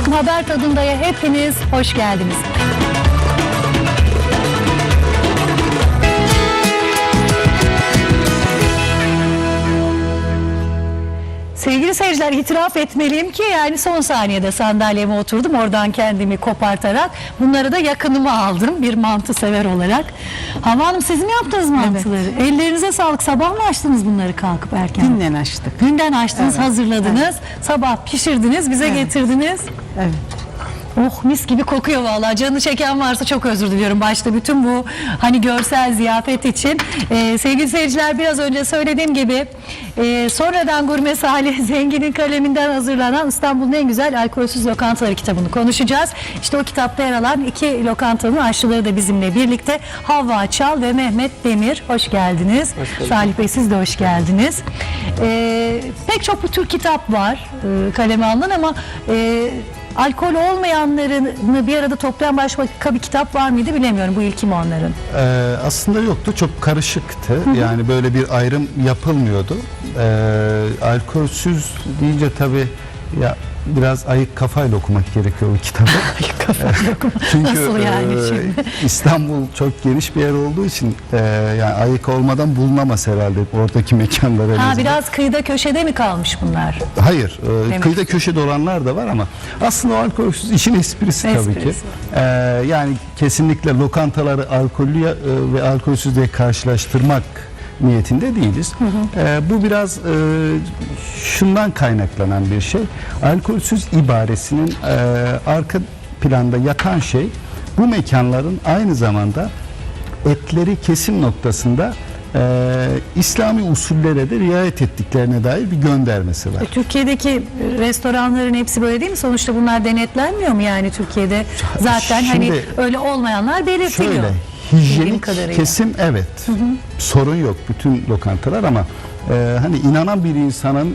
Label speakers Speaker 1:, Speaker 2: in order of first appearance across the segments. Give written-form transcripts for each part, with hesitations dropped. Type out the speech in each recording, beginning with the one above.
Speaker 1: Haber Tadında'ya hepiniz hoş geldiniz. Sevgili seyirciler, itiraf etmeliyim ki yani son saniyede sandalyeme oturdum, oradan kendimi kopartarak bunları da yakınıma aldım bir mantı sever olarak. Hava Hanım, siz mi yaptınız mantıları? Evet. Ellerinize sağlık. Sabah mı açtınız bunları kalkıp erken?
Speaker 2: Günden açtık.
Speaker 1: Günden açtınız, evet, hazırladınız. Evet. Sabah pişirdiniz, bize getirdiniz.
Speaker 2: Evet.
Speaker 1: Oh, mis gibi kokuyor vallahi. Canı çeken varsa çok özür diliyorum başta bütün bu hani görsel ziyafet için. Sevgili seyirciler, biraz önce söylediğim gibi sonradan Gurme Salih Zengin'in kaleminden hazırlanan İstanbul'un en güzel alkolsüz lokantaları kitabını konuşacağız. İşte o kitapta yer alan iki lokantanın aşçıları da bizimle birlikte. Havva Çal ve Mehmet Demir. Hoş geldiniz. Hoş Salih Bey, siz de hoş geldiniz. Pek çok bu tür kitap var kaleme alınan ama alkol olmayanlarını bir arada toplayan başka bir kitap var mıydı bilemiyorum. Bu ilki mi onların?
Speaker 3: Aslında yoktu. Çok karışıktı. Yani böyle bir ayrım yapılmıyordu. Alkolsüz deyince tabii ya biraz ayık kafayla okumak gerekiyor bu kitabı.
Speaker 1: Ayık kafayla okumak.
Speaker 3: Çünkü
Speaker 1: nasıl yani şimdi?
Speaker 3: İstanbul çok geniş bir yer olduğu için yani ayık olmadan bulunamaz herhalde oradaki mekanlar.
Speaker 1: Biraz kıyıda köşede mi kalmış bunlar?
Speaker 3: Hayır. Kıyıda köşede olanlar da var ama aslında o alkolsüz işin esprisi tabii ki. Yani kesinlikle lokantaları alkollü ve alkolsüz diye karşılaştırmak niyetinde değiliz. Bu biraz şundan kaynaklanan bir şey. Alkolsüz ibaresinin arka planda yatan şey, bu mekanların aynı zamanda etleri kesim noktasında İslami usullere de riayet ettiklerine dair bir göndermesi var.
Speaker 1: Türkiye'deki restoranların hepsi böyle değil mi? Sonuçta bunlar denetlenmiyor mu yani Türkiye'de? Zaten
Speaker 3: şimdi,
Speaker 1: hani öyle olmayanlar belirtiliyor.
Speaker 3: Şöyle, hijyenik kesim evet. Sorun yok bütün lokantalar ama hani inanan bir insanın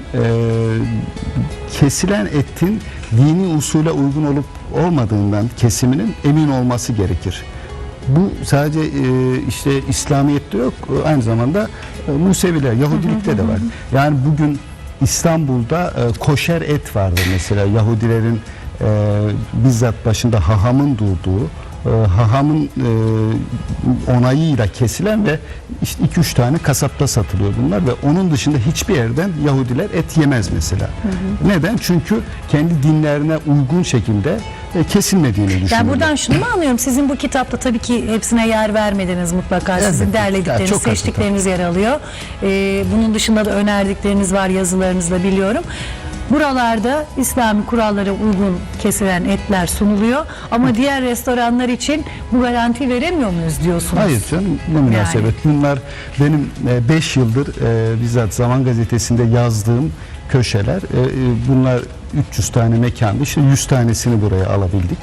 Speaker 3: kesilen etin dini usule uygun olup olmadığından kesiminin emin olması gerekir. Bu sadece işte İslamiyet'te yok, aynı zamanda Museviler, Yahudilikte de var. Yani bugün İstanbul'da koşer et vardır mesela, Yahudilerin bizzat başında hahamın durduğu, hahamın onayıyla kesilen ve işte 2-3 tane kasapta satılıyor bunlar ve onun dışında hiçbir yerden Yahudiler et yemez mesela. Neden? Çünkü kendi dinlerine uygun şekilde kesilmediğini düşünüyorlar.
Speaker 1: Yani buradan şunu mu anlıyorum? Sizin bu kitapta tabii ki hepsine yer vermediniz mutlaka. Evet, sizin derledikleriniz, yani seçtikleriniz yer alıyor. Bunun dışında da önerdikleriniz var yazılarınızla biliyorum. Buralarda İslami kurallara uygun kesilen etler sunuluyor ama diğer restoranlar için bu garanti veremiyor muyuz diyorsunuz?
Speaker 3: Hayır canım, ne münasebet. Yani. Bunlar benim 5 yıldır bizzat Zaman Gazetesi'nde yazdığım köşeler. Bunlar 300 tane mekandı. İşte 100 tanesini buraya alabildik.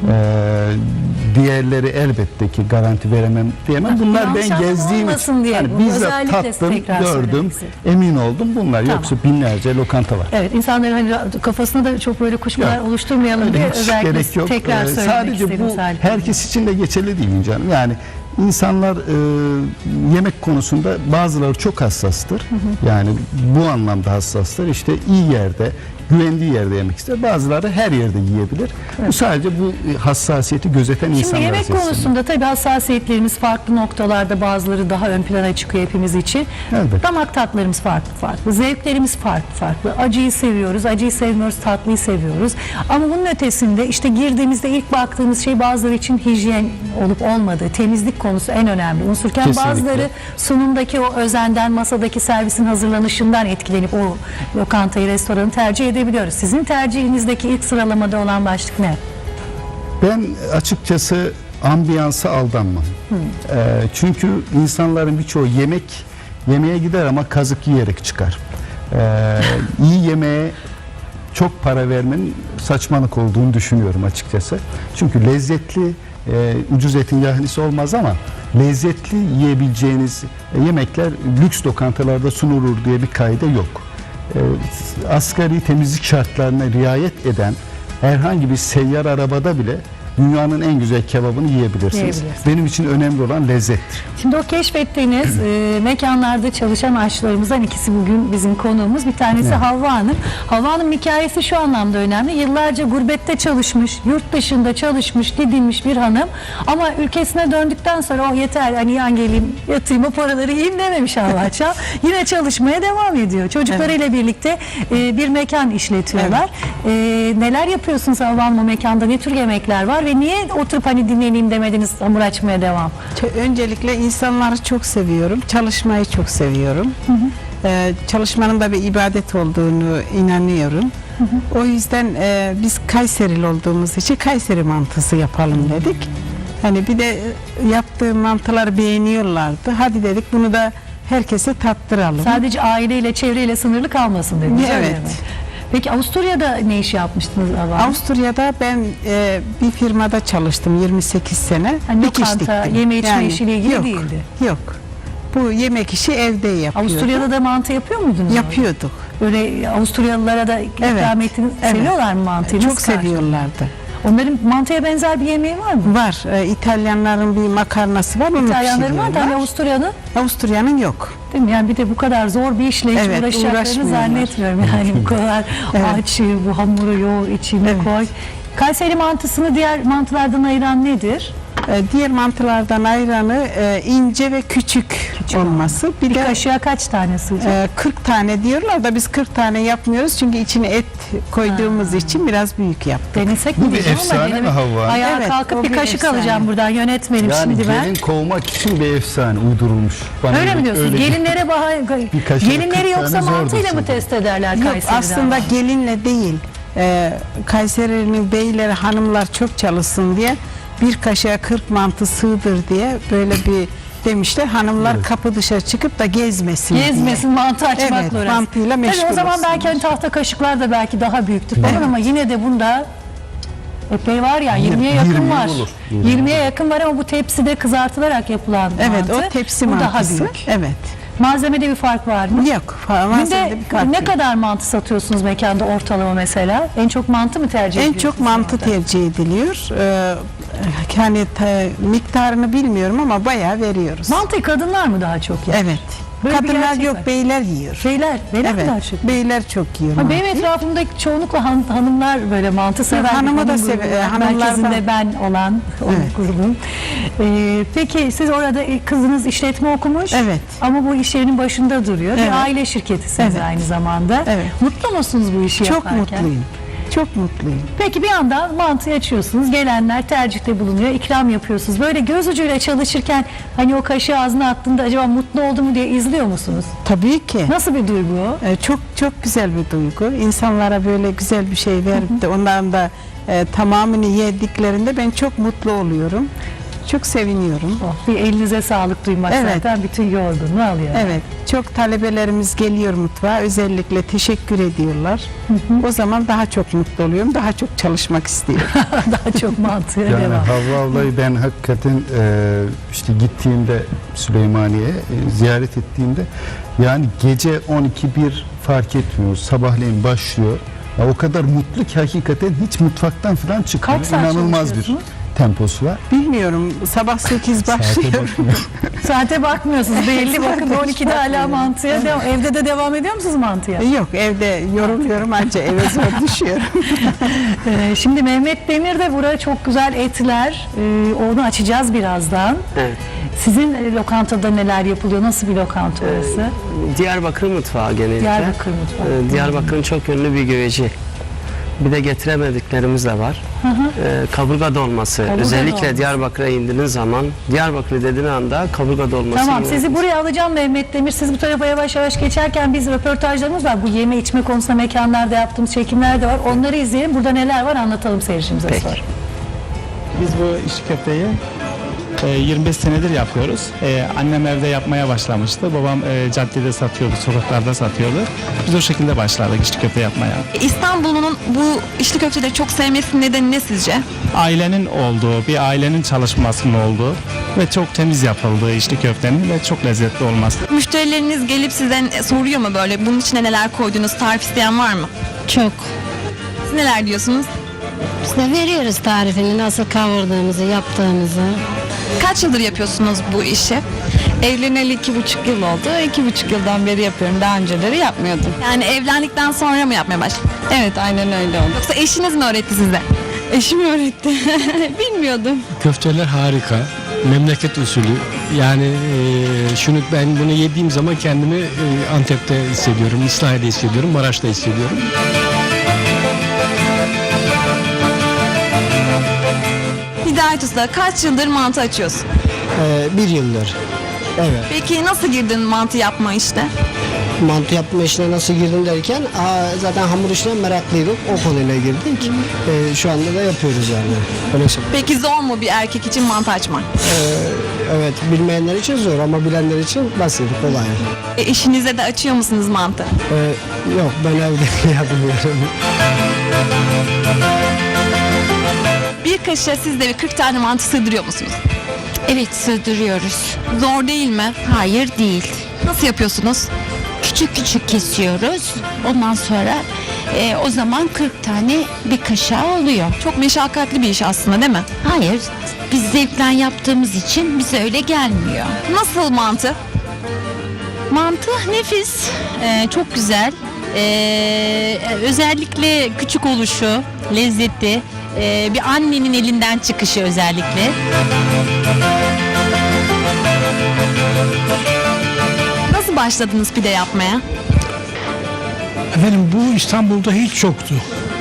Speaker 3: Diğerleri elbette ki garanti veremem diyemem. Bunlar ben gezdiğim için yani bizzat tattım, gördüm, emin oldum. Bunlar yoksa binlerce lokanta var.
Speaker 1: Evet, insanların hani kafasında da çok böyle kuşkular oluşturmayalım diye özellikle tekrar söylemek
Speaker 3: sadece
Speaker 1: istedim.
Speaker 3: Bu herkes için de geçerli değil canım. Yani İnsanlar yemek konusunda bazıları çok hassastır. Yani bu anlamda hassastır. İşte iyi yerde, güvendiği yerde yemek ister. Bazıları her yerde yiyebilir. Evet. Bu sadece bu hassasiyeti gözeten insanlar.
Speaker 1: Şimdi yemek konusunda tabii hassasiyetlerimiz farklı noktalarda, bazıları daha ön plana çıkıyor hepimiz için. Evet. Damak tatlarımız farklı. Zevklerimiz farklı. Acıyı seviyoruz, acıyı sevmiyoruz, tatlıyı seviyoruz. Ama bunun ötesinde işte girdiğimizde ilk baktığımız şey bazıları için hijyen olup olmadığı, temizlik konusu en önemli unsurken kesinlikle. Bazıları sunumdaki o özenden, masadaki servisin hazırlanışından etkilenip o lokantayı, restoranı tercih edebiliyoruz. Sizin tercihinizdeki ilk sıralamada olan başlık ne?
Speaker 3: Ben açıkçası ambiyansa aldanmam. Çünkü insanların birçoğu yemeğe gider ama kazık yiyerek çıkar. İyi yemeğe çok para vermenin saçmalık olduğunu düşünüyorum açıkçası. Çünkü lezzetli, ucuz etin yahnisi olmaz ama lezzetli yiyebileceğiniz yemekler lüks lokantalarda sunulur diye bir kaide yok. Asgari temizlik şartlarına riayet eden herhangi bir seyyar arabada bile dünyanın en güzel kebabını yiyebilirsiniz.
Speaker 1: Yiyebilirsiniz.
Speaker 3: Benim için önemli olan lezzettir.
Speaker 1: Şimdi o keşfettiğiniz mekanlarda çalışan aşçılarımızdan ikisi bugün bizim konuğumuz. Bir tanesi Havva Hanım. Havva Hanım hikayesi şu anlamda önemli. Yıllarca gurbette çalışmış, yurt dışında çalışmış, didinmiş bir hanım. Ama ülkesine döndükten sonra oh yeter hani yan geleyim, yatayım o paraları yiyeyim dememiş Havva Çağ. Yine çalışmaya devam ediyor. Çocuklarıyla birlikte bir mekan işletiyorlar. Neler yapıyorsunuz Havva Hanım o mekanda? Ne tür yemekler var ve niye oturup hani dinleneyim demediniz, hamur açmaya devam?
Speaker 2: Öncelikle insanları çok seviyorum. Çalışmayı çok seviyorum. Çalışmanın da bir ibadet olduğunu inanıyorum. O yüzden biz Kayserili olduğumuz için Kayseri mantısı yapalım dedik. Hani bir de yaptığım mantıları beğeniyorlardı. Hadi dedik bunu da herkese tattıralım.
Speaker 1: Sadece aileyle, çevreyle sınırlı kalmasın dediniz. öyle
Speaker 2: Evet.
Speaker 1: mi? Peki Avusturya'da ne iş yapmıştınız Havva Hanım?
Speaker 2: Avusturya'da ben bir firmada çalıştım 28 sene.
Speaker 1: Hani
Speaker 2: Dikiş
Speaker 1: lokanta,
Speaker 2: diktim.
Speaker 1: yeme içme işiyle ilgili
Speaker 2: yok,
Speaker 1: değildi.
Speaker 2: Yok. Bu yemek işi evde yapıyorduk.
Speaker 1: Avusturya'da da mantı yapıyor muydunuz?
Speaker 2: Yapıyorduk.
Speaker 1: Böyle Avusturyalılara da ikram ettiniz.
Speaker 2: Evet.
Speaker 1: Seviyorlar mı mantıyı?
Speaker 2: Çok
Speaker 1: Nasıl karşı-
Speaker 2: seviyorlardı.
Speaker 1: Onların mantıya benzer bir yemeği var mı?
Speaker 2: Var. İtalyanların bir makarnası var. Onu
Speaker 1: İtalyanların var da hani
Speaker 2: pişiriyorlar.
Speaker 1: Avusturya'nın
Speaker 2: Avusturya'nın yok.
Speaker 1: değil mi? Yani bir de bu kadar zor bir işle hiç
Speaker 2: Evet,
Speaker 1: uğraşacaklarını
Speaker 2: uğraşmıyorlar.
Speaker 1: zannetmiyorum. Yani bu kadar aç, bu hamuru yoğur, içine koy. Kayseri mantısını diğer mantılardan ayıran nedir?
Speaker 2: Diğer mantılardan ayranı ince ve küçük olması. Bir
Speaker 1: Bir
Speaker 2: de
Speaker 1: kaşığa kaç tane sığacak?
Speaker 2: 40 tane diyorlar da biz 40 tane yapmıyoruz. Çünkü içine et koyduğumuz için biraz büyük yaptık.
Speaker 1: Denesek mi
Speaker 3: Bu bir
Speaker 1: diyeceğim ama
Speaker 3: efsane mi
Speaker 1: denemek-
Speaker 3: Havva?
Speaker 1: Ayağa
Speaker 2: Evet,
Speaker 1: kalkıp
Speaker 2: o
Speaker 1: bir
Speaker 2: bir
Speaker 1: kaşık
Speaker 2: efsane.
Speaker 1: alacağım buradan yönetmenim
Speaker 3: Yani
Speaker 1: şimdi ben.
Speaker 3: gelin kovmak için bir efsane uydurulmuş. Bana
Speaker 1: Öyle mi diyorsunuz?
Speaker 3: öyle-
Speaker 1: Gelinlere
Speaker 3: kaşığa
Speaker 1: gelinleri
Speaker 3: 40
Speaker 1: yoksa
Speaker 3: tane zor
Speaker 1: mantıyla mı
Speaker 3: diyorsun.
Speaker 1: test ederler
Speaker 2: Yok
Speaker 1: Kayseri'de?
Speaker 2: aslında
Speaker 1: ama?
Speaker 2: gelinle değil. Kayseri'nin beyleri hanımlar çok çalışsın diye bir kaşığa 40 mantı sığdır diye böyle bir demişler. Hanımlar kapı dışarı çıkıp da gezmesin diye.
Speaker 1: Gezmesin, mantı açmakla
Speaker 2: Evet,
Speaker 1: uğraşsın.
Speaker 2: mantıyla
Speaker 1: Tabii
Speaker 2: meşgul
Speaker 1: o zaman
Speaker 2: olsunlar.
Speaker 1: belki hani tahta kaşıklar da belki daha büyüktür falan ama yine de bunda epey var ya 20'ye yakın
Speaker 3: 20
Speaker 1: var.
Speaker 3: olur.
Speaker 1: 20'ye yakın var ama bu tepside kızartılarak yapılan
Speaker 2: Evet
Speaker 1: mantı.
Speaker 2: o tepsi
Speaker 1: bu
Speaker 2: mantısı.
Speaker 1: daha büyük.
Speaker 2: Evet.
Speaker 1: Malzemede bir fark var mı?
Speaker 2: Yok. Malzemede
Speaker 1: Günde
Speaker 2: bir fark
Speaker 1: ne
Speaker 2: yok.
Speaker 1: kadar mantı satıyorsunuz mekanda ortalama mesela? En çok mantı mı tercih
Speaker 2: En
Speaker 1: ediyorsunuz?
Speaker 2: çok mantı tercih ediliyor. Yani miktarını bilmiyorum ama bayağı veriyoruz.
Speaker 1: Mantıyı kadınlar mı daha çok yer?
Speaker 2: Evet.
Speaker 1: Böyle bir
Speaker 2: Kadınlar
Speaker 1: gerçek
Speaker 2: yok
Speaker 1: var.
Speaker 2: beyler yiyor.
Speaker 1: Beyler mi daha
Speaker 2: Evet.
Speaker 1: çok?
Speaker 2: Beyler çok yiyor.
Speaker 1: Ha, benim
Speaker 2: mantıyı.
Speaker 1: etrafımda çoğunlukla hanımlar böyle mantı sever.
Speaker 2: hanımı
Speaker 1: Bir
Speaker 2: da
Speaker 1: hanım
Speaker 2: sever-
Speaker 1: grubu var.
Speaker 2: hanımlar da-
Speaker 1: Merkezinde ben olan o
Speaker 2: Evet.
Speaker 1: grubum. Peki siz orada kızınız işletme okumuş.
Speaker 2: Evet.
Speaker 1: Ama bu iş yerinin başında duruyor.
Speaker 2: Evet.
Speaker 1: Bir aile şirketisiniz
Speaker 2: Evet.
Speaker 1: aynı zamanda.
Speaker 2: Evet.
Speaker 1: Mutlu musunuz bu işi
Speaker 2: Çok
Speaker 1: yaparken?
Speaker 2: mutluyum. Çok mutluyum.
Speaker 1: Peki bir yandan mantı açıyorsunuz. Gelenler tercihte bulunuyor. İkram yapıyorsunuz. Böyle göz ucuyla çalışırken hani o kaşığı ağzına attığında acaba mutlu oldu mu diye izliyor musunuz?
Speaker 2: Tabii ki.
Speaker 1: Nasıl bir duygu o?
Speaker 2: Çok çok güzel bir duygu. İnsanlara böyle güzel bir şey verip de onların da tamamını yediklerinde ben çok mutlu oluyorum. Çok seviniyorum.
Speaker 1: Bir elinize sağlık duymak
Speaker 2: Evet.
Speaker 1: zaten bütün yorgunluğu alıyor.
Speaker 2: Evet, çok talebelerimiz geliyor mutfağa, özellikle teşekkür ediyorlar. O zaman daha çok mutlu oluyorum, daha çok çalışmak istiyorum.
Speaker 1: Daha çok mantığa
Speaker 3: Yani
Speaker 1: devam.
Speaker 3: Havva ablayı ben hakikaten işte gittiğimde Süleymaniye'ye ziyaret ettiğimde yani gece 12-1 fark etmiyor. Sabahleyin başlıyor. Ya o kadar mutlu ki hakikaten hiç mutfaktan falan çıkmıyor.
Speaker 1: Kaç saat
Speaker 3: İnanılmaz bir
Speaker 1: çalışıyorsunuz?
Speaker 3: temposu var.
Speaker 2: Bilmiyorum, sabah 8
Speaker 3: Saate
Speaker 2: başlıyor.
Speaker 3: bakmıyor.
Speaker 1: Saate bakmıyorsunuz belli bakın 12'de hala mantıya devam. Evde de devam ediyor musunuz mantıya?
Speaker 2: Yok, evde yoruluyorum ancak eve zor düşüyorum.
Speaker 1: Şimdi Mehmet Demir'de burada çok güzel etler. Onu açacağız birazdan.
Speaker 4: Evet.
Speaker 1: Sizin lokantada neler yapılıyor? Nasıl bir lokanta orası?
Speaker 4: Diyarbakır mutfağı genellikle.
Speaker 1: Diyarbakır mutfağı.
Speaker 4: Diyarbakır'ın çok ünlü bir güveci. Bir de getiremediklerimiz de var. Kaburga dolması.
Speaker 1: Kaburga
Speaker 4: Özellikle
Speaker 1: dolması.
Speaker 4: Diyarbakır'a indiğiniz zaman, Diyarbakır dediğin anda kaburga dolması.
Speaker 1: Tamam
Speaker 4: yiyor.
Speaker 1: sizi buraya alacağım Mehmet Demir. Siz bu tarafa yavaş yavaş geçerken biz röportajlarımız var. Bu yeme içme konusunda mekanlarda yaptığımız çekimler de var. Onları izleyelim. Burada neler var anlatalım seyircimize
Speaker 4: Peki.
Speaker 1: sonra.
Speaker 5: Biz bu içli köfteyi 25 senedir yapıyoruz. Annem evde yapmaya başlamıştı. Babam caddede satıyordu, sokaklarda satıyordu. Biz o şekilde başladık içli köfte yapmaya.
Speaker 6: İstanbul'un bu içli köfteleri çok sevmesinin nedeni ne sizce?
Speaker 5: Ailenin olduğu, bir ailenin çalışmasının olduğu ve çok temiz yapıldığı içli köftenin ve çok lezzetli olması.
Speaker 6: Müşterileriniz gelip sizden soruyor mu böyle bunun içine neler koyduğunuz tarif isteyen var mı?
Speaker 7: Çok.
Speaker 6: Siz neler diyorsunuz?
Speaker 7: Biz de veriyoruz tarifini, nasıl kavurduğumuzu, yaptığımızı.
Speaker 6: Kaç yıldır yapıyorsunuz bu işi?
Speaker 8: Evleneli 2,5 yıl oldu. 2,5 yıldan beri yapıyorum. Daha önceleri yapmıyordum.
Speaker 6: Yani evlendikten sonra mı yapmaya başladınız?
Speaker 8: Evet, aynen öyle oldu.
Speaker 6: Yoksa eşiniz mi öğretti size?
Speaker 8: Eşim öğretti. Bilmiyordum.
Speaker 9: Köfteler harika. Memleket usulü. Yani ben bunu yediğim zaman kendimi Antep'te hissediyorum, İslahiye'de hissediyorum, Maraş'ta hissediyorum.
Speaker 6: Hidayet Usta, kaç yıldır mantı açıyorsun?
Speaker 10: 1 yıldır. Evet.
Speaker 6: Peki nasıl girdin mantı yapma işte?
Speaker 10: Mantı yapma işine nasıl girdim derken zaten hamur işine meraklıydık. O konuyla girdik. Şu anda da yapıyoruz yani. Öyle söyleyeyim.
Speaker 6: Peki zor mu bir erkek için mantı açmak?
Speaker 10: Evet, bilmeyenler için zor ama bilenler için basit, kolay.
Speaker 6: Eşinize de açıyor musunuz mantı?
Speaker 10: Yok, ben evde yapmıyorum.
Speaker 6: Bir kaşığa siz de bir 40 tane mantı sığdırıyor musunuz?
Speaker 11: Evet, sığdırıyoruz.
Speaker 6: Zor değil mi?
Speaker 11: Hayır değil.
Speaker 6: Nasıl yapıyorsunuz?
Speaker 11: Küçük küçük kesiyoruz. Ondan sonra o zaman 40 tane bir kaşığa oluyor.
Speaker 6: Çok meşakkatli bir iş aslında değil mi?
Speaker 11: Hayır, biz zevkten yaptığımız için bize öyle gelmiyor.
Speaker 6: Nasıl mantı?
Speaker 11: Mantı nefis, çok güzel. Özellikle küçük oluşu, lezzeti, bir annenin elinden çıkışı özellikle.
Speaker 6: Nasıl başladınız pide yapmaya?
Speaker 12: Efendim bu İstanbul'da hiç yoktu.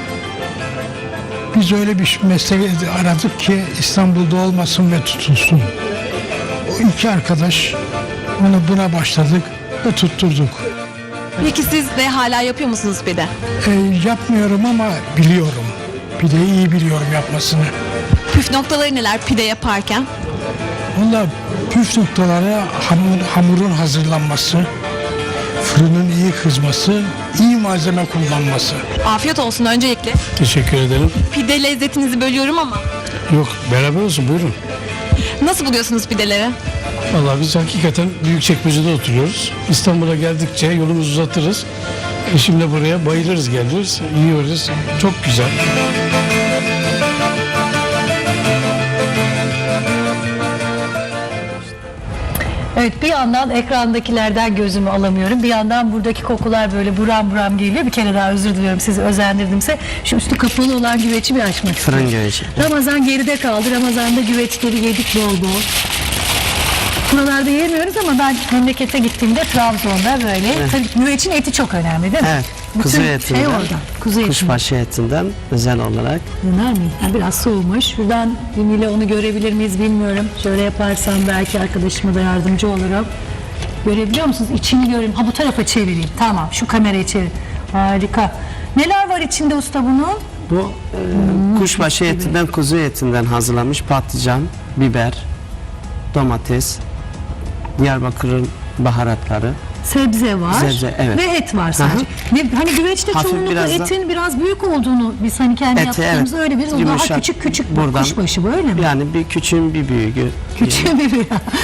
Speaker 12: Biz öyle bir meslek aradık ki İstanbul'da olmasın ve tutulsun. O iki arkadaş buna başladık ve tutturduk.
Speaker 6: Peki siz de hala yapıyor musunuz pide?
Speaker 12: Yapmıyorum ama biliyorum. Pideyi iyi biliyorum yapmasını.
Speaker 6: Püf noktaları neler pide yaparken?
Speaker 12: Valla püf noktaları hamurun hazırlanması, fırının iyi kızması, iyi malzeme kullanması.
Speaker 6: Afiyet olsun öncelikle.
Speaker 12: Teşekkür ederim.
Speaker 6: Pide lezzetinizi bölüyorum ama.
Speaker 12: Yok, beraber olsun, buyurun.
Speaker 6: Nasıl buluyorsunuz pideleri?
Speaker 9: Vallahi biz hakikaten Büyükçekmece'de oturuyoruz. İstanbul'a geldikçe yolumuzu uzatırız. Eşimle buraya bayılırız, geliyoruz, yiyoruz. Çok güzel.
Speaker 1: Evet, bir yandan ekrandakilerden gözümü alamıyorum. Bir yandan buradaki kokular böyle buram buram geliyor. Bir kere daha özür diliyorum, sizi özendirdimse. Şu üstü kapalı olan güveci bir açmak istiyorum.
Speaker 4: Fırın güveci.
Speaker 1: Ramazan geride kaldı. Ramazan'da güveçleri yedik bol bol. Buralarda yemiyoruz ama ben memlekete gittiğimde Trabzon'da böyle. Tabii güvecin eti çok önemli değil mi?
Speaker 4: Evet.
Speaker 1: Bütün
Speaker 4: Kuzu etinden,
Speaker 1: şey oradan. Kuzu etinden.
Speaker 4: kuşbaşı etinden özel olarak.
Speaker 1: Döner mi? Ha, biraz soğumuş. Şuradan ile onu görebilir miyiz bilmiyorum. Şöyle yaparsam belki arkadaşıma da yardımcı olurum. Görebiliyor musunuz? İçini göreyim. Ha, bu tarafa çevireyim. Tamam, şu kamerayı çevir. Harika. Neler var içinde usta bunun?
Speaker 4: Bu kuşbaşı etinden, kuzu etinden hazırlanmış patlıcan, biber, domates, Diyarbakır'ın baharatları.
Speaker 1: Sebze var.
Speaker 4: Sebze, evet.
Speaker 1: Ve et var sadece. Ve hani güveçte
Speaker 4: Hafif
Speaker 1: çoğunlukla
Speaker 4: biraz da-
Speaker 1: etin biraz büyük olduğunu biz hani kendi
Speaker 4: Eti,
Speaker 1: yaptığımız
Speaker 4: evet.
Speaker 1: öyle bir daha
Speaker 4: Yumuşak.
Speaker 1: küçük
Speaker 4: Buradan-
Speaker 1: kuşbaşı böyle mi?
Speaker 4: Yani bir küçüğün bir büyüğü.
Speaker 1: Küçük bir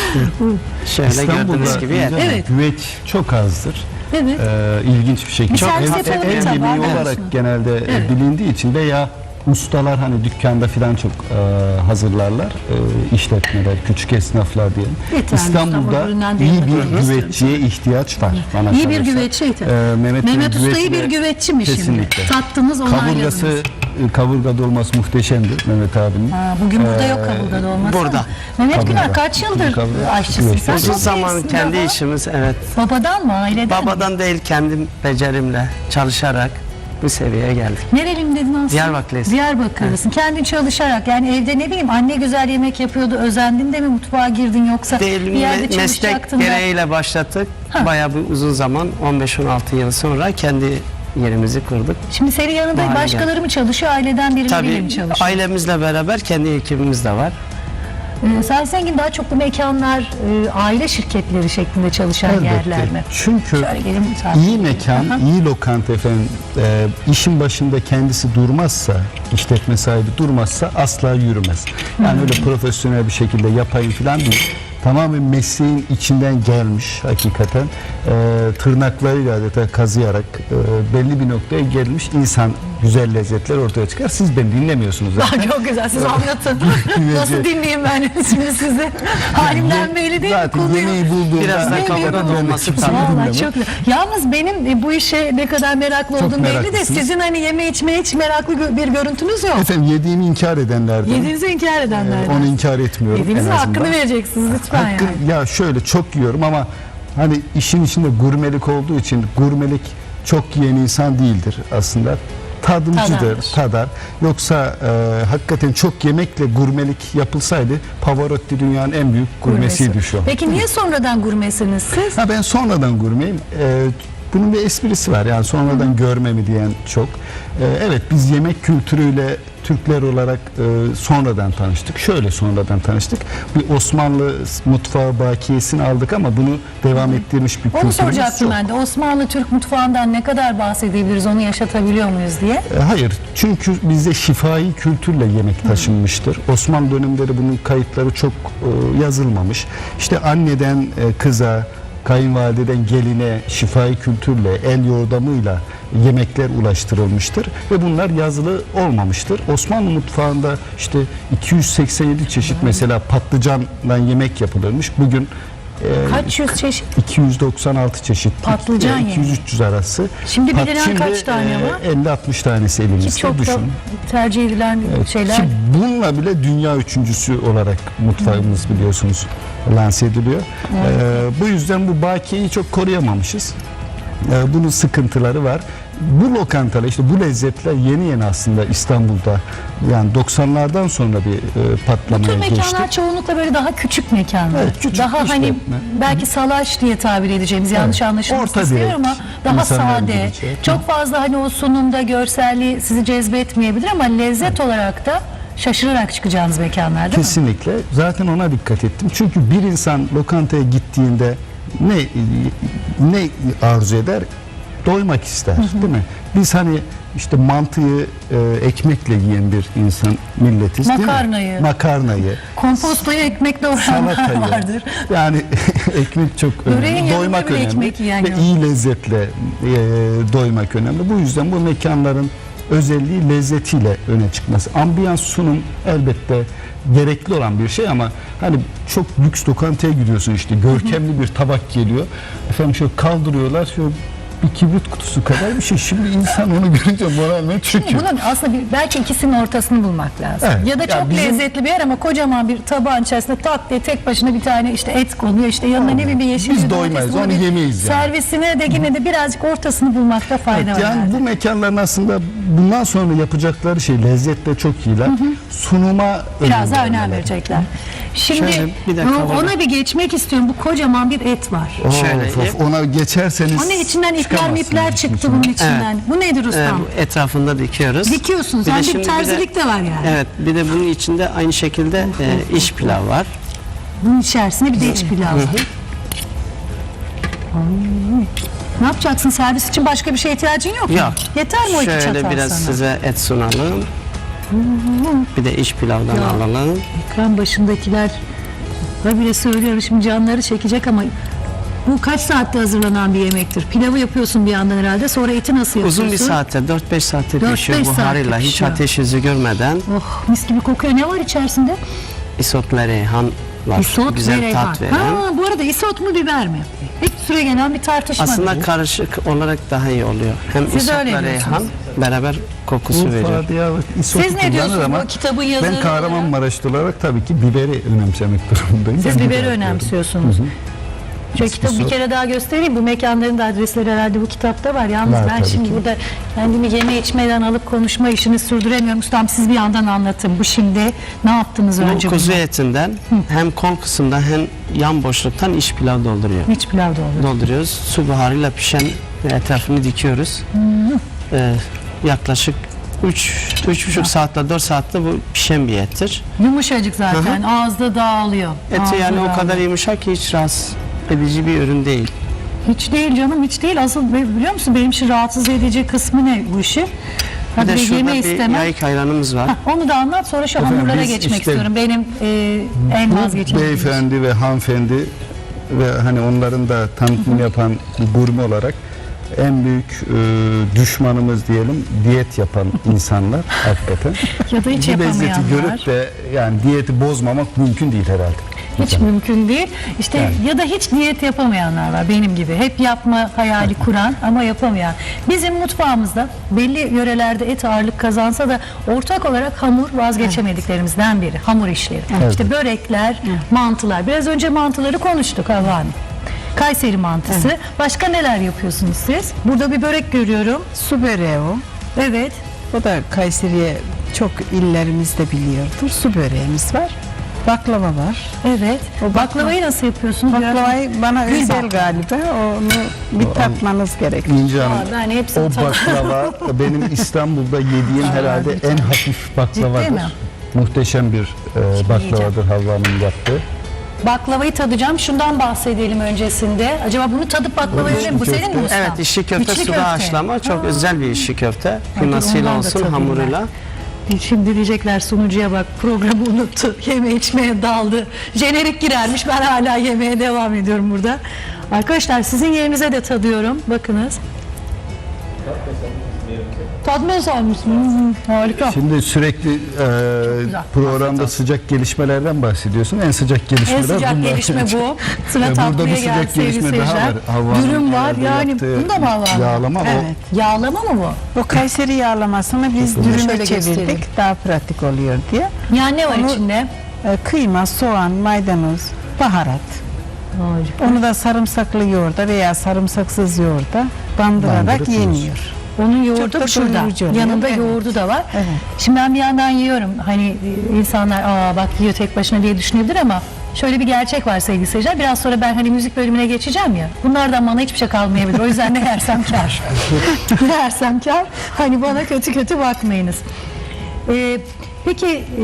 Speaker 4: Şöyle gördüğünüz gibi yer.
Speaker 1: Evet.
Speaker 3: Güveç çok azdır.
Speaker 1: Evet.
Speaker 3: İlginç bir şekilde.
Speaker 1: Bir servis yapalım
Speaker 3: el
Speaker 1: tabağı,
Speaker 3: yemeği
Speaker 1: evet.
Speaker 3: olarak genelde
Speaker 1: Evet.
Speaker 3: bilindiği için veya ustalar hani dükkanda falan çok hazırlarlar. İşletmeler, küçük esnaflar diyelim.
Speaker 1: Yeterli,
Speaker 3: İstanbul'da
Speaker 1: İstanbul üründen
Speaker 3: iyi
Speaker 1: değil,
Speaker 3: bir
Speaker 1: bakıyoruz.
Speaker 3: güveççiye ihtiyaç var. Bana
Speaker 1: İyi bir
Speaker 3: kalırsa.
Speaker 1: güveççi.
Speaker 3: Mehmet Bey'in
Speaker 1: Mehmet Usta'yı
Speaker 3: güveci
Speaker 1: bir
Speaker 3: de
Speaker 1: güveççi mi şimdi?
Speaker 3: kesinlikle.
Speaker 1: Tattınız, onayladınız.
Speaker 3: Kaburgası, kaburga dolması muhteşemdir Mehmet abinin.
Speaker 1: Ha, bugün burada yok kaburga dolması.
Speaker 4: burada.
Speaker 1: ama. Mehmet
Speaker 3: Kaburga.
Speaker 1: Güner kaç yıldır
Speaker 3: Kaburga.
Speaker 1: aşçısın?
Speaker 3: Evet.
Speaker 1: Sen
Speaker 4: Uzun
Speaker 1: çok
Speaker 4: zaman
Speaker 1: iyisin
Speaker 4: kendi
Speaker 1: baba.
Speaker 4: işimiz, evet.
Speaker 1: Babadan mı, aileden mi?
Speaker 4: Babadan değil, kendim becerimle çalışarak bu seviyeye geldik.
Speaker 1: Nereliyim dedin aslında?
Speaker 4: Diyarbakırlısın.
Speaker 1: Diyarbakırlısın. Kendin çalışarak, yani evde ne bileyim anne güzel yemek yapıyordu, özendin de mi mutfağa girdin yoksa
Speaker 4: Değil,
Speaker 1: bir yerde
Speaker 4: meslek
Speaker 1: çalışacaktın da?
Speaker 4: gereğiyle başlattık. Bayağı bir uzun zaman, 15-16 yıl sonra kendi yerimizi kurduk.
Speaker 1: Şimdi senin yanında
Speaker 4: Bu hale
Speaker 1: başkaları mı çalışıyor, aileden birileriyle mi
Speaker 4: Tabii
Speaker 1: çalışıyor?
Speaker 4: ailemizle beraber kendi ekibimiz de var.
Speaker 1: Sayın Zengin, daha çok bu mekanlar aile şirketleri şeklinde çalışan yerler mi?
Speaker 3: Çünkü
Speaker 1: Şöyle gelin,
Speaker 3: iyi mekan, iyi lokanta efendim, işin başında kendisi durmazsa, işletme sahibi durmazsa asla yürümez. Yani öyle profesyonel bir şekilde yapayım falan değil. Tamamen mesleğin içinden gelmiş hakikaten. Tırnaklarıyla adeta kazıyarak belli bir noktaya gelmiş insan güzel lezzetler ortaya çıkar. Siz beni dinlemiyorsunuz zaten.
Speaker 1: Çok güzel, siz anlatın. Nasıl dinleyeyim ben şimdi sizi? Halimden belli değil mi?
Speaker 3: Zaten
Speaker 1: Konuyu-
Speaker 3: yemeği bulduğumda
Speaker 4: Biraz da
Speaker 1: Ne
Speaker 4: kavanoz
Speaker 1: diyorum?
Speaker 4: olması
Speaker 3: kimse
Speaker 4: tabii.
Speaker 1: Vallahi
Speaker 3: dinlemiyor.
Speaker 1: çok güzel. Yalnız benim bu işe ne kadar meraklı
Speaker 3: Çok
Speaker 1: olduğum belli de
Speaker 3: meraklısınız.
Speaker 1: sizin hani yeme içmeye hiç meraklı bir görüntünüz yok.
Speaker 3: Efendim yediğimi inkar edenlerden.
Speaker 1: Yediğinizi inkar edenlerden.
Speaker 3: Onu inkar etmiyorum
Speaker 1: Yediğinizin
Speaker 3: en azından.
Speaker 1: hakkını vereceksiniz lütfen
Speaker 3: Hakkı-
Speaker 1: yani.
Speaker 3: Ya şöyle çok yiyorum ama hani işin içinde gurmelik olduğu için gurmelik çok yiyen insan değildir aslında. Tadımcıdır,
Speaker 1: Tadardır.
Speaker 3: tadar. Yoksa hakikaten çok yemekle gurmelik yapılsaydı Pavarotti dünyanın en büyük gurmesiydi şu an.
Speaker 1: Peki niye sonradan gurmesiniz siz?
Speaker 3: Ha, ben sonradan gurmeyim. Bunun bir esprisi var yani sonradan görme mi diyen çok. Evet biz yemek kültürüyle Türkler olarak sonradan tanıştık. Şöyle sonradan tanıştık. Bir Osmanlı mutfağı bakiyesini aldık ama bunu devam ettirmiş bir
Speaker 1: Onu
Speaker 3: kültürümüz
Speaker 1: soracaktım
Speaker 3: yok.
Speaker 1: ben de. Osmanlı Türk mutfağından ne kadar bahsedebiliriz, onu yaşatabiliyor muyuz diye.
Speaker 3: Hayır çünkü bizde şifai kültürle yemek taşınmıştır. Osmanlı dönemleri bunun kayıtları çok yazılmamış. İşte anneden kıza, kayınvalideden geline şifai kültürle, el yordamıyla yemekler ulaştırılmıştır ve bunlar yazılı olmamıştır. Osmanlı mutfağında işte 287 çeşit mesela patlıcanla yemek yapılırmış. Bugün
Speaker 1: Kaç yüz çeşit?
Speaker 3: 296 çeşit.
Speaker 1: Patlıcan yemeği.
Speaker 3: 200-300 arası.
Speaker 1: Şimdi bilinen kaç tane var?
Speaker 3: 50-60 tanesi elimizde.
Speaker 1: Ki çok da
Speaker 3: Düşün.
Speaker 1: tercih edilen şeyler.
Speaker 3: Ki bununla bile dünya üçüncüsü olarak mutfağımız biliyorsunuz lanse ediliyor. Bu yüzden bu bakiyeyi çok koruyamamışız. Bunun sıkıntıları var. Bu lokantalar işte bu lezzetler yeni aslında İstanbul'da yani 90'lardan sonra bir
Speaker 1: Bu
Speaker 3: patlamaya
Speaker 1: tür
Speaker 3: geçti.
Speaker 1: mekanlar çoğunlukla böyle daha küçük mekanlar.
Speaker 3: Evet, küçük
Speaker 1: daha hani
Speaker 3: işletme.
Speaker 1: belki salaş diye tabir edeceğimiz yanlış anlaşılmasın
Speaker 3: Orta
Speaker 1: istiyorum
Speaker 3: direkt
Speaker 1: ama daha
Speaker 3: insanların
Speaker 1: sade.
Speaker 3: gideceği.
Speaker 1: Çok fazla hani o sunumda görselliği sizi cezbetmeyebilir ama lezzet olarak da şaşırarak çıkacağınız mekanlar değil mi?
Speaker 3: Kesinlikle. Zaten ona dikkat ettim. Çünkü bir insan lokantaya gittiğinde ne arzu eder? Doymak ister, değil mi? Biz hani işte mantıyı ekmekle yiyen bir insan milletiz,
Speaker 1: Makarnayı.
Speaker 3: değil mi? Makarnayı,
Speaker 1: Kompostoyu ekmekle uğrayanlar
Speaker 3: salatayı.
Speaker 1: vardır.
Speaker 3: Yani ekmek çok
Speaker 1: Böreğin
Speaker 3: önemli.
Speaker 1: yanında
Speaker 3: Doymak
Speaker 1: bile
Speaker 3: önemli.
Speaker 1: ekmek yiyen
Speaker 3: Ve
Speaker 1: yok.
Speaker 3: iyi lezzetle doymak önemli. Bu yüzden bu mekanların özelliği lezzetiyle öne çıkması. Ambiyans, sunum elbette gerekli olan bir şey ama hani çok lüks lokantaya gidiyorsun işte görkemli bir tabak geliyor. Efendim şöyle kaldırıyorlar şöyle bir kibrit kutusu kadar bir şey. Şimdi insan onu görünce moralmen çöküyor.
Speaker 1: Bunun aslında belki ikisinin ortasını bulmak lazım.
Speaker 3: Evet.
Speaker 1: Ya da
Speaker 3: Ya
Speaker 1: çok
Speaker 3: bizim-
Speaker 1: lezzetli bir yer ama kocaman bir tabağın içerisinde tak diye tek başına bir tane işte et konuyor. İşte yanına ne bileyim bir yeşil
Speaker 3: Biz
Speaker 1: bir domates,
Speaker 3: doymayız,
Speaker 1: bunu
Speaker 3: onu
Speaker 1: bir
Speaker 3: yemeyiz yani.
Speaker 1: servisine de yine de birazcık ortasını bulmakta fayda var.
Speaker 3: Yani
Speaker 1: herhalde.
Speaker 3: bu mekanların aslında bundan sonra yapacakları şey lezzetle çok iyiler. Sunuma
Speaker 1: Biraz daha önem
Speaker 3: vermeleri.
Speaker 1: verecekler. Şimdi
Speaker 4: Şöyle bir dakika var.
Speaker 1: ona bir geçmek istiyorum. Bu kocaman bir et var.
Speaker 4: Şöyle
Speaker 3: Of, ona geçerseniz
Speaker 1: Onun içinden ipler
Speaker 3: çıkamazsınız
Speaker 1: mipler
Speaker 3: işin
Speaker 1: çıktı
Speaker 3: içinden.
Speaker 1: bunun içinden. Bu nedir ustam?
Speaker 4: Bu etrafında dikiyoruz.
Speaker 1: Dikiyorsunuz.
Speaker 4: Bir de
Speaker 1: Yani
Speaker 4: şimdi
Speaker 1: bir
Speaker 4: bir de-
Speaker 1: terzilik de var yani.
Speaker 4: Evet, bir de bunun içinde aynı şekilde iş pilav var.
Speaker 1: Bunun içerisinde bir de iç pilav var. Ne yapacaksın? Servis için başka bir şeye ihtiyacın yok mu?
Speaker 4: Yok.
Speaker 1: Yeter mi o iki çatal
Speaker 4: Şöyle biraz
Speaker 1: sana?
Speaker 4: size et sunalım. Bir de iç pilavdan
Speaker 1: Ya.
Speaker 4: alalım.
Speaker 1: Ekran başındakiler bile söylüyorum şimdi canları çekecek ama bu kaç saatte hazırlanan bir yemektir? Pilavı yapıyorsun bir yandan herhalde. Sonra eti nasıl yapıyorsun?
Speaker 4: Uzun bir saatte, 4-5 saatte
Speaker 1: 4-5
Speaker 4: pişiyor
Speaker 1: saatte
Speaker 4: buharıyla. Hiç
Speaker 1: pişiyor.
Speaker 4: ateş yüzü görmeden.
Speaker 1: Oh mis gibi kokuyor. Ne var içerisinde?
Speaker 4: Isotla reyhan var.
Speaker 1: Isot
Speaker 4: Güzel
Speaker 1: ve reyhan.
Speaker 4: tat veren.
Speaker 1: Ha, bu arada isot mu biber mi? Hiç süre gelen bir tartışma
Speaker 4: Aslında
Speaker 1: değil.
Speaker 4: karışık olarak daha iyi oluyor. Hem
Speaker 1: Siz öyle
Speaker 4: isotla reyhan
Speaker 1: diyorsunuz.
Speaker 4: beraber kokusu veriyor.
Speaker 3: Urfa, Diyarbakır, İsotu
Speaker 1: Siz ne
Speaker 3: kullanır
Speaker 1: diyorsunuz
Speaker 3: ama
Speaker 1: bu kitabın yazarı
Speaker 3: ben Kahramanmaraşlı olarak tabii ki biberi önemsemek durumundayım.
Speaker 1: Siz
Speaker 3: Ben
Speaker 1: biberi
Speaker 3: biber
Speaker 1: önemsiyorsunuz. Şöyle kitabı bir kere daha göstereyim. Bu mekanların da adresleri herhalde bu kitapta var. Yalnız
Speaker 3: Var
Speaker 1: ben
Speaker 3: tabii
Speaker 1: şimdi
Speaker 3: ki.
Speaker 1: burada kendimi yeme içmeden alıp konuşma işini sürdüremiyorum. Ustam siz bir yandan anlatın. Bu şimdi ne yaptınız önce?
Speaker 4: Bu kuzu
Speaker 1: bunu?
Speaker 4: etinden hem kol kısımda hem yan boşluktan iç pilav dolduruyor.
Speaker 1: İç pilav da olur.
Speaker 4: Dolduruyoruz. Su buharıyla pişen etrafını dikiyoruz. Yaklaşık 3,5 saatte 4 saatte bu pişen bir ettir.
Speaker 1: Yumuşacık zaten. Ağızda dağılıyor.
Speaker 4: Eti
Speaker 1: Ağızda
Speaker 4: yani o
Speaker 1: dağılıyor.
Speaker 4: kadar yumuşak ki hiç rahatsız edici bir ürün değil.
Speaker 1: Hiç değil canım hiç değil. Asıl biliyor musun benim için rahatsız edici kısmı ne bu işi?
Speaker 4: Bir
Speaker 1: Hadi
Speaker 4: de
Speaker 1: bir
Speaker 4: şurada
Speaker 1: yeme
Speaker 4: bir
Speaker 1: istemem.
Speaker 4: yayık ayranımız var.
Speaker 1: Hah, onu da anlat sonra şu
Speaker 3: Efendim,
Speaker 1: hamurlara
Speaker 3: biz
Speaker 1: geçmek
Speaker 3: işte-
Speaker 1: istiyorum. Benim en vazgeçemediğim.
Speaker 3: Beyefendi ve hanımefendi ve hani onların da tanıtımını yapan bir gurme olarak en büyük düşmanımız diyelim diyet yapan insanlar hakikaten.
Speaker 1: Ya da hiç
Speaker 3: Bu lezzeti
Speaker 1: yapamayanlar.
Speaker 3: görüp de yani diyeti bozmamak mümkün değil herhalde.
Speaker 1: Hiç mümkün değil. İşte ya da hiç diyet yapamayanlar var benim gibi. Hep yapma hayali kuran ama yapamayan. Bizim mutfağımızda belli yörelerde et ağırlık kazansa da ortak olarak hamur vazgeçemediklerimizden biri. Hamur işleri. İşte börekler, mantılar. Biraz önce mantıları konuştuk Havva Hanım. Kayseri mantısı. Başka neler yapıyorsunuz siz? Burada bir börek görüyorum.
Speaker 2: Su böreği o.
Speaker 1: Evet.
Speaker 2: O da Kayseri'ye çok illerimizde biliyordur. Su böreğimiz var. Baklava var.
Speaker 1: Evet. O baklavayı nasıl yapıyorsunuz?
Speaker 2: Baklavayı bana
Speaker 1: Gül
Speaker 2: özel
Speaker 1: bak.
Speaker 2: galiba. Onu bir tatmanız gerekir.
Speaker 3: İnce Hanım,
Speaker 1: Ben hepsini
Speaker 3: o baklava benim İstanbul'da yediğim herhalde en hafif baklavadır.
Speaker 1: mi?
Speaker 3: Muhteşem bir baklavadır Havva'nın yaptığı.
Speaker 1: Baklavayı tadacağım. Şundan bahsedelim öncesinde. Acaba bunu tadıp baklavayı öyle mi? Bu senin mi ustam?
Speaker 4: Evet, içli köfte suda haşlama çok özel bir içli köfte. Kıymasıyla
Speaker 1: ondan da
Speaker 4: olsun,
Speaker 1: tadayım
Speaker 4: hamuruyla.
Speaker 1: Şimdi diyecekler sunucuya bak programı unuttu. Yeme içmeye daldı. Jenerik girermiş. Ben hala yemeye devam ediyorum burada. Arkadaşlar sizin yerinize de tadıyorum. Bakınız. Tatmaya mısın? Harika.
Speaker 3: Şimdi sürekli programda sıcak gelişmelerden bahsediyorsun. En sıcak gelişmeler
Speaker 1: En sıcak
Speaker 3: bunlar.
Speaker 1: gelişme bu. Sıra
Speaker 3: Burada
Speaker 1: tatlıya
Speaker 3: bir
Speaker 1: geldi
Speaker 3: sıcak
Speaker 1: sevgili
Speaker 3: gelişme daha
Speaker 1: seyirciler.
Speaker 3: var. Havva'nın
Speaker 1: Dürüm var
Speaker 3: evde
Speaker 1: yani.
Speaker 3: yaptığı
Speaker 1: Bunda mı Havva?
Speaker 3: yağlama
Speaker 2: Evet.
Speaker 1: Yağlama mı bu?
Speaker 2: O Kayseri yağlamasını biz
Speaker 1: Şöyle
Speaker 2: dürüme
Speaker 1: göstereyim.
Speaker 2: çevirdik. Daha pratik oluyor diye.
Speaker 1: Yani ne var
Speaker 2: Onu-
Speaker 1: içinde?
Speaker 2: Kıyma, soğan, maydanoz, baharat. Onu da sarımsaklı yoğurda veya sarımsaksız yoğurda bandırarak
Speaker 3: Bandırıp
Speaker 2: yeniyor.
Speaker 1: Onun
Speaker 2: Çok
Speaker 1: yoğurdu
Speaker 2: da
Speaker 1: şurada.
Speaker 2: doyurucu oluyor.
Speaker 1: Yanında
Speaker 2: Evet.
Speaker 1: yoğurdu da var.
Speaker 2: Evet.
Speaker 1: Şimdi ben bir yandan yiyorum. Hani insanlar bak yiyor tek başına diye düşünebilir ama şöyle bir gerçek var sevgili seyirciler. Biraz sonra ben hani müzik bölümüne geçeceğim ya. Bunlardan bana hiçbir şey kalmayabilir. O yüzden ne yersem kar. Ne yersem kar. Hani bana kötü kötü bakmayınız. Peki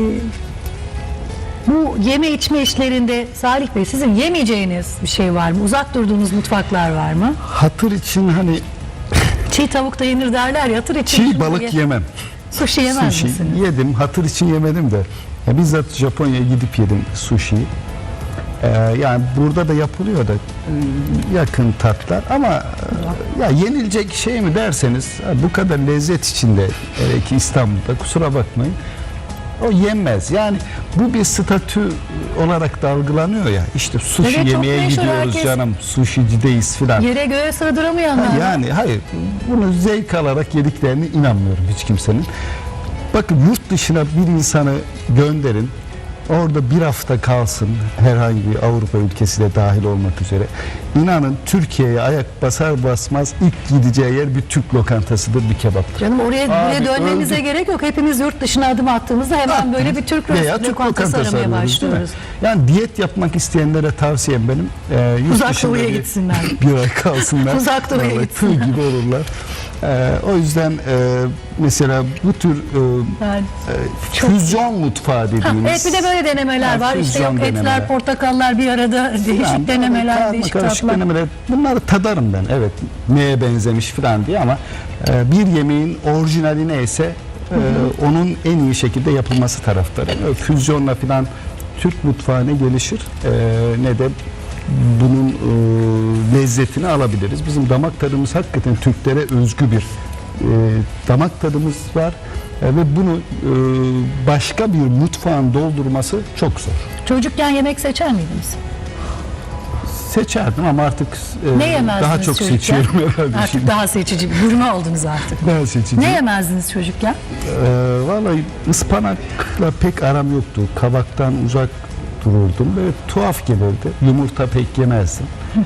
Speaker 1: bu yeme içme işlerinde Salih Bey sizin yemeyeceğiniz bir şey var mı? Uzak durduğunuz mutfaklar var mı?
Speaker 3: Hatır için hani
Speaker 1: Çiğ tavuk da yenir derler ya. Hatır için
Speaker 3: çiğ
Speaker 1: şunu
Speaker 3: balık yemem.
Speaker 1: Sushi yemez
Speaker 3: Sushi
Speaker 1: misiniz?
Speaker 3: yedim. Hatır için yemedim de. Ya bizzat Japonya'ya gidip yedim sushi'yi. Yani burada da yapılıyor da yakın tatlar ama ya yenilecek şey mi derseniz bu kadar lezzet içinde ki İstanbul'da kusura bakmayın o yenmez. Yani bu bir statü olarak da algılanıyor ya. İşte sushi
Speaker 1: Evet, çok
Speaker 3: yemeye
Speaker 1: meşhur,
Speaker 3: gidiyoruz
Speaker 1: herkes-
Speaker 3: canım. Sushicideyiz filan.
Speaker 1: Yere göğe sığdıramayanlar.
Speaker 3: Yani hayır bunu zevk alarak yediklerine inanmıyorum hiç kimsenin. Bakın yurt dışına bir insanı gönderin. Orada bir hafta kalsın herhangi bir Avrupa ülkesi de dahil olmak üzere. İnanın Türkiye'ye ayak basar basmaz ilk gideceği yer bir Türk lokantasıdır, bir kebaptır.
Speaker 1: Canım oraya
Speaker 3: Abi,
Speaker 1: dönmemize
Speaker 3: öldük.
Speaker 1: gerek yok. Hepimiz yurt dışına adım attığımızda hemen böyle bir Türk
Speaker 3: Veya Türk
Speaker 1: lokantası aramaya
Speaker 3: arıyoruz, değil mi?
Speaker 1: başlıyoruz.
Speaker 3: Yani diyet yapmak isteyenlere tavsiyem benim. Yurt
Speaker 1: Uzak
Speaker 3: dışında
Speaker 1: doğuya
Speaker 3: bir-
Speaker 1: gitsinler.
Speaker 3: Bir ay kalsınlar.
Speaker 1: Uzak doğuya
Speaker 3: Vallahi
Speaker 1: gitsinler.
Speaker 3: tığ gibi olurlar. O yüzden mesela bu tür
Speaker 1: Yani
Speaker 3: füzyon mutfağı dediğimiz.
Speaker 1: evet bir de böyle denemeler
Speaker 3: Ha,
Speaker 1: var. İşte
Speaker 3: füzyon
Speaker 1: yok etler,
Speaker 3: denemeler.
Speaker 1: portakallar bir arada değişik
Speaker 3: Yani
Speaker 1: denemeler,
Speaker 3: karma
Speaker 1: değişik
Speaker 3: karışık
Speaker 1: tatlar.
Speaker 3: denemeler. Bunları tadarım ben. Evet. Neye benzemiş falan diye ama bir yemeğin orijinali neyse onun en iyi şekilde yapılması taraftarıyım. Füzyonla falan Türk mutfağı ne gelişir ne de bunun lezzetini alabiliriz. Bizim damak tadımız hakikaten Türklere özgü bir damak tadımız var ve bunu başka bir mutfağın doldurması çok zor.
Speaker 1: Çocukken yemek seçer miydiniz?
Speaker 3: Seçerdim ama artık
Speaker 1: Ne yemezdiniz
Speaker 3: daha çok
Speaker 1: çocukken?
Speaker 3: seçiyorum herhalde
Speaker 1: Artık
Speaker 3: şimdi.
Speaker 1: daha seçici, gurme oldunuz artık.
Speaker 3: Daha seçici.
Speaker 1: Ne yemezdiniz çocukken?
Speaker 3: Vallahi ıspanakla pek aram yoktu. Kabaktan uzak dururdum. Böyle tuhaf gelirdi. Yumurta pek yemezdim.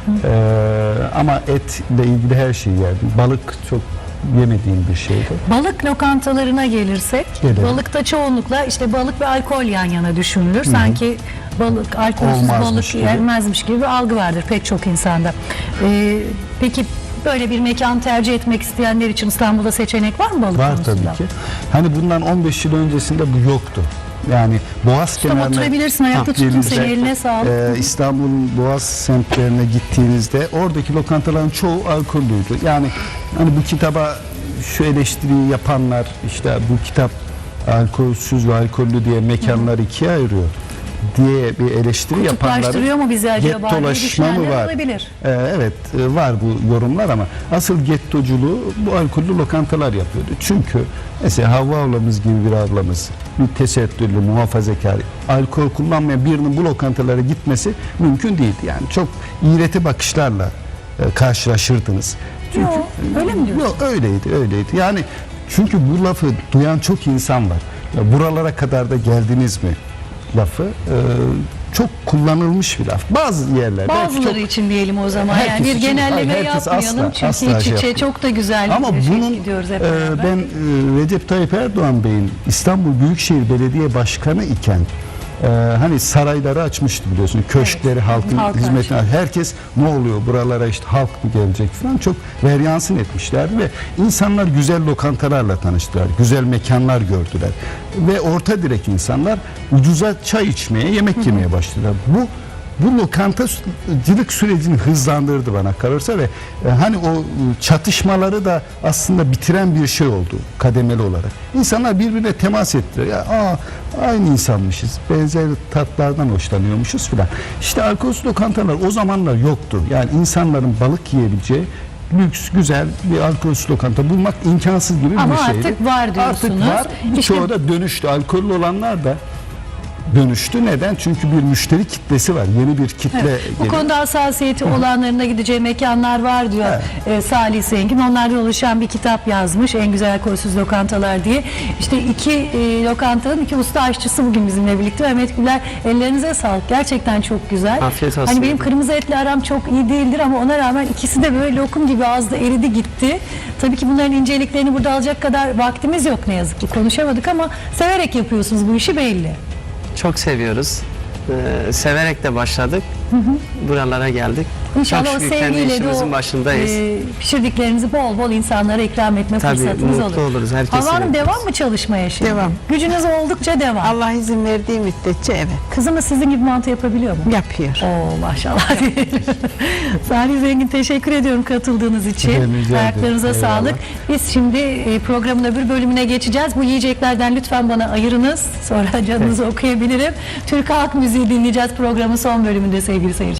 Speaker 3: Ama etle ilgili her şeyi yerdim. Balık çok yemediğim bir şeydi.
Speaker 1: Balık lokantalarına gelirsek,
Speaker 3: Gelelim.
Speaker 1: balıkta çoğunlukla işte balık ve alkol yan yana düşünülür. Sanki balık, alkolsüz
Speaker 3: Olmazmış
Speaker 1: balık
Speaker 3: gibi.
Speaker 1: yenmezmiş gibi bir algı vardır pek çok insanda. Peki böyle bir mekan tercih etmek isteyenler için İstanbul'da seçenek var mı balık
Speaker 3: Var
Speaker 1: konusunda?
Speaker 3: tabii ki. Hani bundan 15 yıl öncesinde bu yoktu. Yani Boğaz kenarına
Speaker 1: oturabilirsin, ayakta tuttum
Speaker 3: gelince,
Speaker 1: seni, eline sağlık.
Speaker 3: İstanbul'un Boğaz semtlerine gittiğinizde oradaki lokantaların çoğu alkollüydü. Yani hani bu kitaba şu eleştiriyi yapanlar işte bu kitap alkolsüz ve alkollü diye mekanları ikiye ayırıyor. diye bir eleştiri yapanların
Speaker 1: Kutuplaştırıyor mu bizi acaba diye
Speaker 3: gettolaşma mı
Speaker 1: düşünenler
Speaker 3: var?
Speaker 1: olabilir.
Speaker 3: Evet var bu yorumlar ama asıl gettoculuğu bu alkollü lokantalar yapıyordu. Çünkü mesela Havva ablamız gibi bir ablamız bir tesettürlü, muhafazakar, alkol kullanmayan birinin bu lokantalara gitmesi mümkün değildi. Yani çok iğreti bakışlarla karşılaşırdınız. Çünkü,
Speaker 1: Yok, öyle mi diyorsun?
Speaker 3: Yok öyleydi. Yani çünkü bu lafı duyan çok insan var. Ya buralara kadar da geldiniz mi lafı çok kullanılmış bir laf. Bazı yerlerde
Speaker 1: Bazıları için diyelim o zaman.
Speaker 3: Herkes
Speaker 1: Yani bir
Speaker 3: için-
Speaker 1: genelleme
Speaker 3: hayır, herkes
Speaker 1: yapmayalım.
Speaker 3: asla
Speaker 1: Çünkü iç içe
Speaker 3: yapmıyor.
Speaker 1: çok da güzel
Speaker 3: ama
Speaker 1: bir
Speaker 3: bunun
Speaker 1: gidiyoruz hep beraber.
Speaker 3: ben Recep Tayyip Erdoğan Bey'in İstanbul Büyükşehir Belediye Başkanı iken hani sarayları açmıştı biliyorsun. Köşkleri halkın
Speaker 1: halka
Speaker 3: hizmetine. Herkes ne oluyor buralara işte halk mı gelecek falan çok veryansın etmişlerdi ve insanlar güzel lokantalarla tanıştılar. Güzel mekanlar gördüler. Ve orta direk insanlar ucuza çay içmeye, yemek yemeye başladılar. Bu lokantacılık sürecini hızlandırdı bana kalırsa ve hani o çatışmaları da aslında bitiren bir şey oldu kademeli olarak. İnsanlar birbirine temas ettiler. Ya aynı insanmışız. Benzer tatlardan hoşlanıyormuşuz filan. İşte alkolsüz lokantalar o zamanlar yoktu. Yani insanların balık yiyebileceği lüks, güzel bir alkolsüz lokanta bulmak imkansız gibi
Speaker 1: Ama
Speaker 3: bir şeydi.
Speaker 1: artık var diyorsunuz.
Speaker 3: Artık var.
Speaker 1: İşte-
Speaker 3: Çoğu da dönüştü. Alkollü olanlar da dönüştü. Neden? Çünkü bir müşteri kitlesi var. Yeni bir kitle
Speaker 1: Bu
Speaker 3: geliyor.
Speaker 1: konuda hassasiyeti olanların da gideceği mekanlar var diyor Salih Zengin. Onlardan oluşan bir kitap yazmış. En güzel alkolsüz lokantalar diye. İşte iki lokantanın iki usta aşçısı bugün bizimle birlikte. Mehmet Güler, ellerinize sağlık. Gerçekten çok güzel.
Speaker 4: Afiyet olsun.
Speaker 1: Hani benim kırmızı etli aram çok iyi değildir ama ona rağmen ikisi de böyle lokum gibi ağızda eridi gitti. Tabii ki bunların inceliklerini burada alacak kadar vaktimiz yok ne yazık ki. Konuşamadık ama severek yapıyorsunuz bu işi belli.
Speaker 4: Çok seviyoruz. Severek de başladık. Buralara geldik.
Speaker 1: İnşallah
Speaker 4: Çok
Speaker 1: o
Speaker 4: şükür kendi
Speaker 1: sevgiyle de
Speaker 4: işimizin
Speaker 1: o
Speaker 4: başındayız.
Speaker 1: pişirdiklerinizi bol bol insanlara ikram etme
Speaker 4: Tabii,
Speaker 1: fırsatınız
Speaker 4: mutlu
Speaker 1: olur.
Speaker 4: oluruz, herkese
Speaker 1: Hava Hanım
Speaker 4: yaparız.
Speaker 1: devam mı çalışmaya şimdi?
Speaker 2: Devam.
Speaker 1: Gücünüz oldukça devam.
Speaker 2: Allah izin verdiği müddetçe evet
Speaker 1: Kızımız sizin gibi mantı yapabiliyor mu?
Speaker 2: yapıyor.
Speaker 1: Oo maşallah diyelim. Salih Zengin teşekkür ediyorum katıldığınız için.
Speaker 3: Ben rica ederim.
Speaker 1: Ayaklarınıza
Speaker 3: Eyvallah.
Speaker 1: sağlık. Biz şimdi programın öbür bölümüne geçeceğiz. Bu yiyeceklerden lütfen bana ayırınız. Sonra canınızı okuyabilirim. Türk halk müziği dinleyeceğiz programın son bölümünde sevgili seyirciler.